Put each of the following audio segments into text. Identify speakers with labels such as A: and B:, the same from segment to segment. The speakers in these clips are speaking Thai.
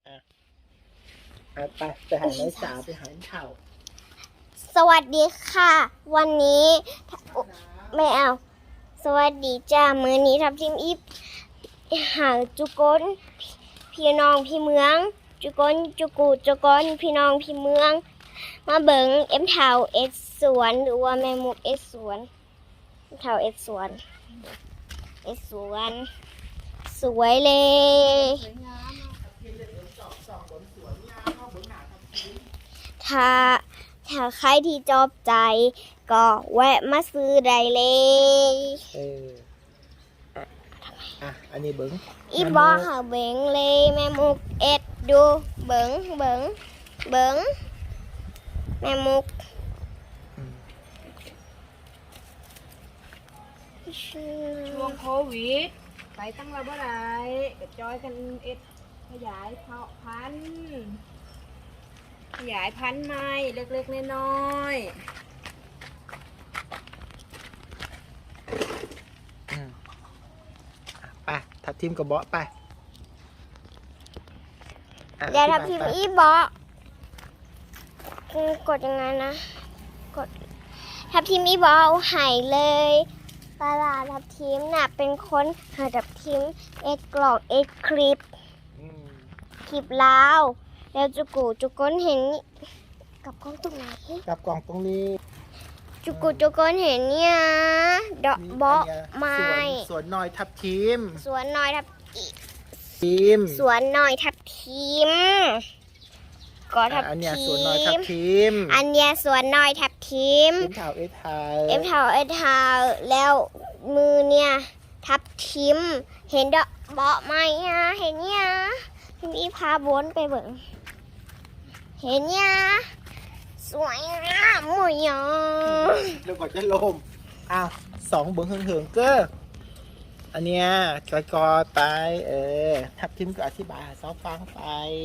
A: ไปหาไม้สาวไปหาเข่า
B: สวัสดีค่ะ วันนี้ไม่เอา สวัสดีจ้ามื้อนี้ทับทิมอีฟหาจุกนพี่น้องพี่เมือง จุกนจุกูจุกนพี่น้องพี่เมือง มาเบิงเอ็มเทาเอ็ดสวนหรือว่าแม่มุกเอ็ดสวนเทาเอ็ดสวนสวยเลยถ้าใครที่ชอบใจก็แวะมาซื้อได้เลย
A: อันนี้เบิ้ง
B: อีบอหาเบิงเลยแม่มุกเอ็ดดูเบิงแม่มุก
C: ช่วงโควิดไปตั้งเราเมื่อไรก็จอยกันเอ็ดขยายเพาะพันธุ์ใหม่เล็กๆน้อย
A: ไปทับทิมกับเบาะไป
B: เดี๋ยวทับทิมอีบอกดยังไงนะกดทับทิมอีบอเอาหายเลยปลาทับทิมน่ะเป็นคนหาทับทิมเอ็ดกล่องเอ็ดคลิปลาวแล้วจุกนเห็นกับกล้องตรงไหน
A: กับกล่องตรงนี้
B: จุกนเห็นเนี่ยดอกเบาะไม้
A: สวนน้อยทับทิม
B: สวนน้อยทับทิมก็ทับทิม
A: อันเนี้ยสวนน้อยทับทิม
B: เอ็มเทาแล้วมือเนี่ยทับทิมเห็นดอกเบาะไม้เห็นเนี่ยพี่พาบนไปเบิ่งเห็นเนี่ยสวยงามหมดยอ
A: แล้วก็จะลม2เบิ้งเหิงเก้ออันเนี้ยกอไปทับทิมก็อธิบายซอฟังไป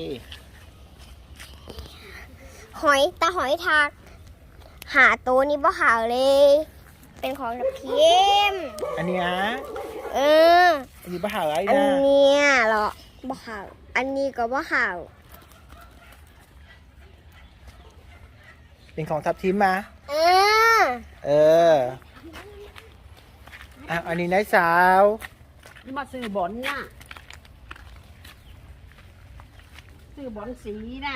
B: หอยทากหาตัวนี้บ่หาเลยเป็นของทับทิม
A: อันเนี้ยอันนี้บ่หาอะไรนะ
B: อันเนี้ยเหรอบ่หาอันนี้ก็บ่หา
A: เป็นของทับทิมมาอันนี้นายสาว
C: มาซื้อบอลน่ะซื้อบอลสีน่ะ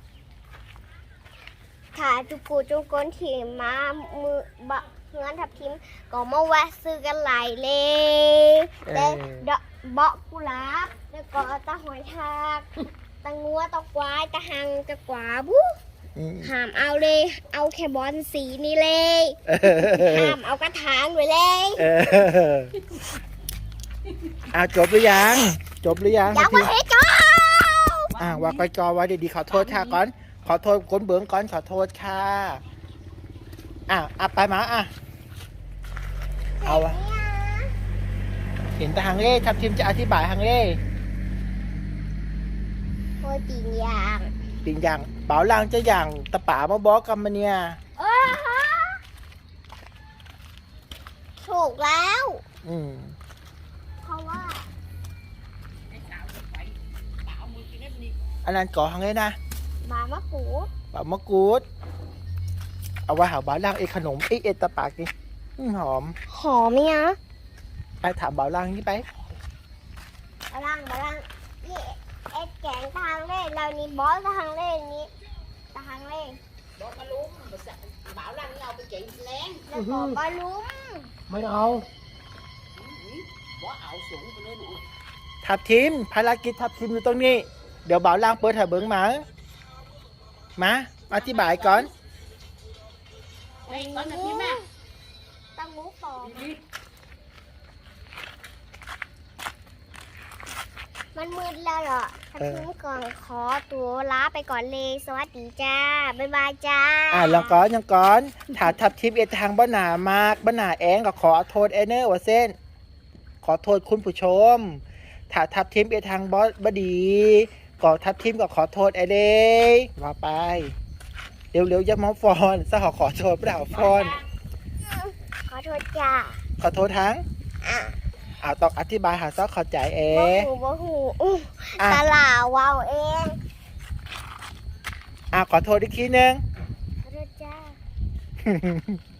B: ถ้าจุกนที่มามือบะเฮือนทับทิมก็มาแวะซื้อกันหลายเลยแต่เบาะกุหลาบแล้วก็ตะหอยทากตะงัวตะควายตะหังตะกวาบุห้ามเอาเลยเอาแค่บอลสีนี่เลยห้ามเอากระถางไว้เลย
A: จบหรือยัง
B: ยังไม่ให้จบ
A: ว่าไปจอไว้ดีๆขอโทษค่ะก่อนขอโทษคนเบื้องก่อนขอโทษค่ะไปมาเอาเห็นแต่ฮังเล่ทับทิมจะอธิบายฮังเล่
B: โคติงยาง
A: เป๋าลางจะอย่างตะป๋ามาบอกกันมาเนี่ย
B: ถูกแล้วเพราะว่า
A: อันนั้นก่อฮังเล่นะ
B: บามะก
A: รูดเอาไว้หาบ้านล่างขนมเอตะปากนี่หอม
B: เนี่ย
A: ไปถามบ้านล่างนี่ไป
B: บ้านล่างนี่เอ็ดแกงทางเล่เรานี่บอสทางเล่นี้ทางเล่
C: บอสมาลุ้มบ่าวล่างนี่เอาไปเก่งแรง
B: แล้วก็บอลลุ้ม
A: ไม่เอา
C: บอสเอาสูงไปเลยหนู
A: ทับทิมภารกิจทับทิมอยู่ตรงนี้เดี๋ยวบ่าวล่างเปิดหาเบิ้งมาอธิบายก่อน
C: ก่อนนะพี่แม่
B: ตั้งมุกต่อมันมืดแล้วเหรอทับทิมก่อนขอตัวลาไปก่อนเลยสวัสดีจ้าบ๊ายบายจ้า
A: ยังก่อนถ้าทับทิมทางบ้านหนามากบ้านหนาแองก็ขอโทษเนอร์ว่าเส้นขอโทษคุณผู้ชมถ้าทับทิมทางบดีก็ทับทิมก็ขอโทษเด้ว่าไปเร็วๆอย่ามาฟอนซะขอโทษเปล่าฟอน
B: ขอโทษจ้า
A: ขอโทษทั้งต้องอธิบายหาซอกเข้าใจเอ
B: บ่หู
A: อ่ะ
B: ตลาเว้าเอง
A: ขอโทษอีกทีนึง
B: ขอโทษจ้า